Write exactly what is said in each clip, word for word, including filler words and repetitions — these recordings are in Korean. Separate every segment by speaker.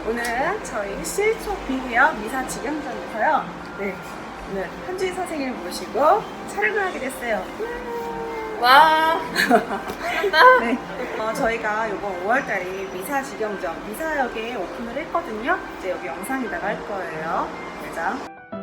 Speaker 1: 오늘은 저희 실속 비대역 미사 직영점에서요. 네, 오늘 현주인 선생님을 모시고 촬영을 하게 됐어요.
Speaker 2: 와.
Speaker 1: 네, 어, 저희가 이번 오월달에 미사 직영점 미사역에 오픈을 했거든요. 이제 여기 영상에다가 할 거예요. 매장.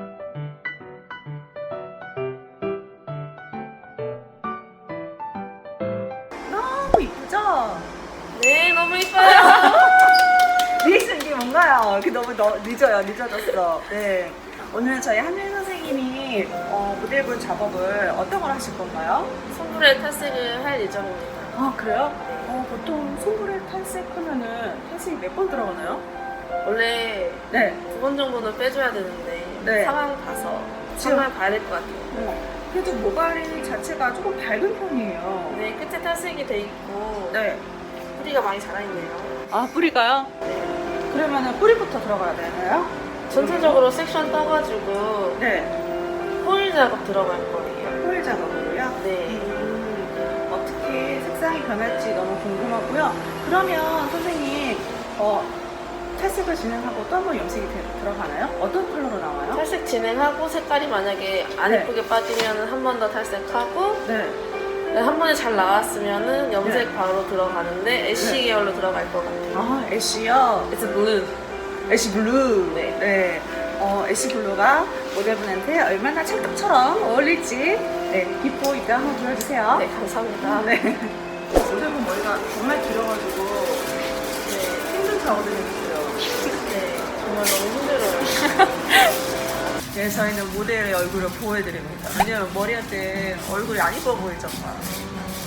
Speaker 1: 너무 이쁘죠?
Speaker 2: 네, 너무 이뻐요.
Speaker 1: 리액션 이게 뭔가요? 이렇게 너무 너, 늦어요. 늦어졌어. 네. 오늘 저희 한윤 선생님이 어, 모델분 작업을 어떤 걸 하실 건가요?
Speaker 2: 선불에 탈색을 할 예정입니다.
Speaker 1: 아, 그래요? 어, 보통 송불에 탈색하면은 탈색이 몇 번 들어가나요?
Speaker 2: 원래
Speaker 1: 네.
Speaker 2: 두 번 정도는 빼줘야 되는데
Speaker 1: 네.
Speaker 2: 상황 봐서
Speaker 1: 지금-
Speaker 2: 상황 봐야 될 것 같아요.
Speaker 1: 어, 그래도 모발이 자체가 조금 밝은 편이에요.
Speaker 2: 네, 끝에 탈색이 돼 있고
Speaker 1: 네.
Speaker 2: 뿌리가 많이 자라있네요.
Speaker 1: 아, 뿌리가요?
Speaker 2: 네.
Speaker 1: 그러면은 뿌리부터 들어가야 되나요?
Speaker 2: 전체적으로 섹션 떠가지고
Speaker 1: 네.
Speaker 2: 호일 작업 들어갈 거예요.
Speaker 1: 호일 작업으로요?
Speaker 2: 네.
Speaker 1: 음, 어떻게 색상이 변할지 너무 궁금하고요. 그러면 선생님, 어, 탈색을 진행하고 또 한 번 염색이 되- 들어가나요? 어떤 컬러로 나와요?
Speaker 2: 탈색 진행하고 색깔이 만약에 안
Speaker 1: 네.
Speaker 2: 예쁘게 빠지면 한 번 더 탈색하고
Speaker 1: 네.
Speaker 2: 한 번에 잘 나왔으면은 염색
Speaker 1: 네.
Speaker 2: 바로 들어가는데 애쉬
Speaker 1: 네.
Speaker 2: 계열로 들어갈 것 같아요.
Speaker 1: 아, 애쉬요?
Speaker 2: It's blue.
Speaker 1: 애쉬 블루.
Speaker 2: 네.
Speaker 1: 네. 어, 애쉬 블루가 모델분한테 얼마나 찰떡처럼 어울릴지, 네, 비포 이따 한번 보여주세요.
Speaker 2: 네, 감사합니다.
Speaker 1: 네. 모델분 머리가 정말 길어가지고
Speaker 2: 네.
Speaker 1: 힘든 작업을 해주세요.
Speaker 2: 네, 정말 너무 힘들어요.
Speaker 1: 네, 저희는 모델의 얼굴을 보호해드립니다. 왜냐면 머리 할 때 얼굴이 안 이뻐 보이잖아.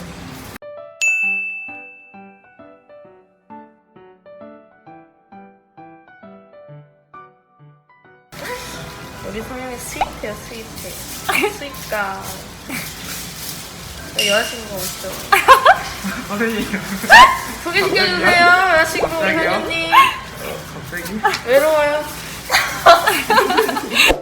Speaker 2: 우리 성형이 스윗해요, 스윗해. 스윗가. 네, 여자친구가 없죠.
Speaker 3: 선생님
Speaker 2: 소개시켜주세요, 여자친구 우리
Speaker 3: 갑자기요?
Speaker 2: 선생님.
Speaker 3: 갑자기?
Speaker 2: 외로워요.